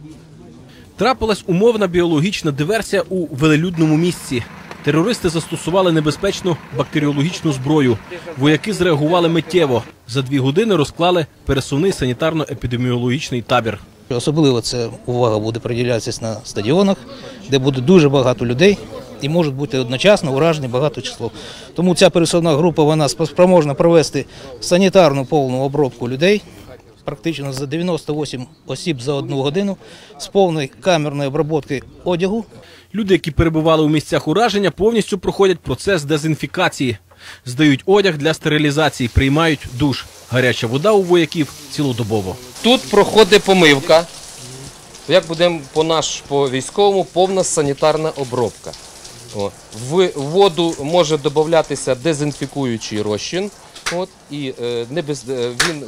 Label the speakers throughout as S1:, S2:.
S1: Трапилась умовна біологічна диверсія у велелюдному місці. Терористи застосували небезпечну бактеріологічну зброю. Вояки зреагували миттєво. За 2 години розклали пересувний санітарно-епідеміологічний табір.
S2: Особливо це увага буде приділятися на стадіонах, де буде дуже багато людей і можуть бути одночасно уражені багато число. Тому ця пересувна група вона спроможна провести санітарну повну обробку людей, практично за 98 осіб за 1 годину, з повною камерною обробки одягу.
S1: Люди, які перебували у місцях ураження, повністю проходять процес дезінфікації. Здають одяг для стерилізації, приймають душ. Гаряча вода у вояків цілодобово.
S3: Тут проходить помивка, як будемо по військовому, повна санітарна обробка. В воду може додатися дезінфікуючий розчин, і він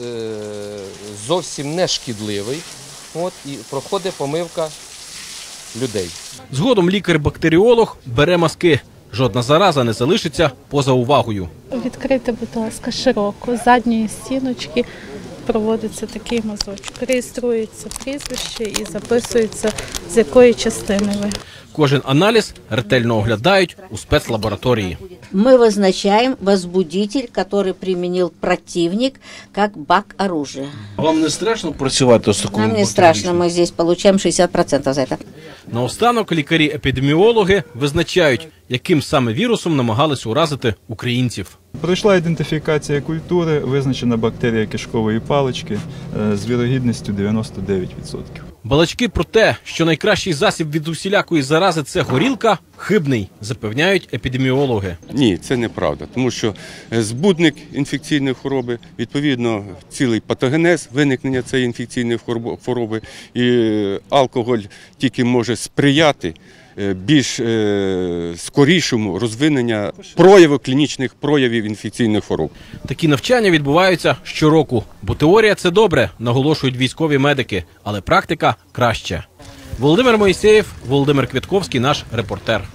S3: зовсім не шкідливий, і проходить помивка людей.
S1: Згодом лікар-бактеріолог бере мазки. Жодна зараза не залишиться поза увагою.
S4: Відкрийте, будь ласка, широко, з задньої стіночки проводиться такий мазочок. Реєструється прізвище і записується, з якої частини ви.
S1: Кожен аналіз ретельно оглядають у спецлабораторії.
S5: Ми визначаємо возбудитель, який примінив противник, як бак оружия.
S6: Вам не страшно працювати з такою?
S5: Нам не страшно, ми тут отримуємо 60% за це.
S1: Наостанок лікарі-епідеміологи визначають, яким саме вірусом намагались уразити українців.
S7: Пройшла ідентифікація культури, визначена бактерія кишкової палички з вірогідністю 99%.
S1: Балачки про те, що найкращий засіб від усілякої зарази – це горілка, хибний, запевняють епідеміологи.
S8: Ні, це неправда, тому що збудник інфекційної хвороби, відповідно, цілий патогенез виникнення цієї інфекційної хвороби, і алкоголь тільки може сприяти більш скорішому розвиненню клінічних проявів інфекційних хвороб.
S1: Такі навчання відбуваються щороку, бо теорія – це добре, наголошують військові медики, але практика – краще. Володимир Моїсеєв, Володимир Квятковський, наш репортер.